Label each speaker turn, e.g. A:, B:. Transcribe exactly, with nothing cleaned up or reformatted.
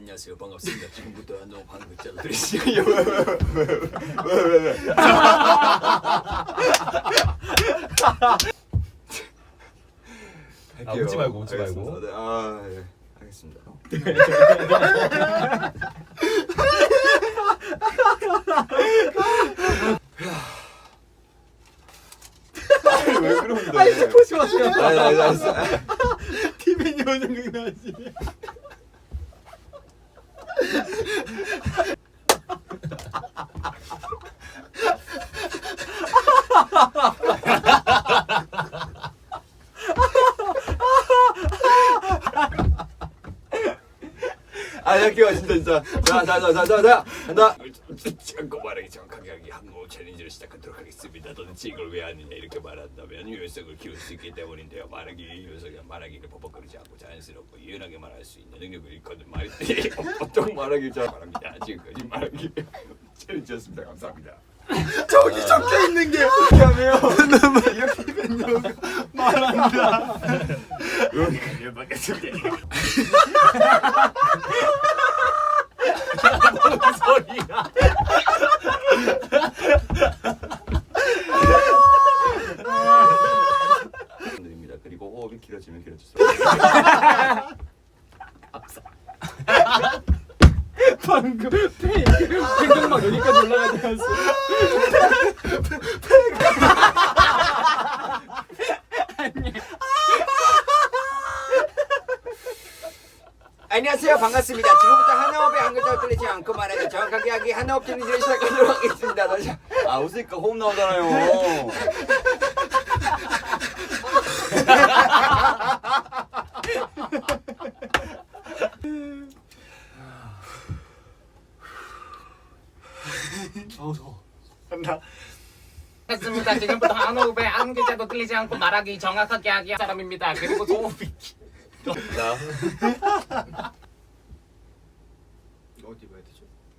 A: 안녕하세요, 반갑습니다. 지금부터 한동 방금 짜도 드리시고요. 왜왜왜왜왜
B: 아, 웃지 말고 웃지 말고.
A: 네, 아 예, 알겠습니다. 왜 그런데?
B: 아니 스포츠 마세요.
A: 아니 아니 아니.
B: 티벤이 원정 나지.
A: 아 잠깐만 진짜 진짜 자자자자자 한다. 참고 말하기 정확하게 하기 항공 챌린지를 시작하도록 하겠습니다. 도대체 이걸 왜 하느냐 이렇게 말한다면 유연성을 키울 수 있기 때문인데요. 말하기 유연성이 말하기를 버벅거리지 않고 자연스럽고 유연하게 말할 수 있는 능력을 일컫는 말이 보통 말하기 잘 말합니다. 지금까지 말하기 챌린지였습니다. 감사합니다.
B: 저기 적혀 있는 게
A: 이렇게 하면
B: 이렇게 벤요가 말한다.
A: 여기까지 받겠습니다.
B: 뭔 소리야?
A: 드립니다. 그리고 호흡이 길어지면 길어질수록
B: 방금 폐 폐경막 여기까지 올라가지 않았어?
A: 안녕하세요, 반갑습니다. 지금부터 한 호흡에 한 글자를 틀리지 않고 말하기 정확하게 하기 한 호흡 챌린지를 시작하도록 하겠습니다. 다시. 아 웃으니까 호흡 나오잖아요.
B: 아우 더워.
C: 한다. 했습니다. 지금부터 한 호흡에 한 글자도 틀리지 않고 말하기 정확하게 하기 사람입니다. 그리고 소호흡이
A: 나
B: 어디 봐야 되죠?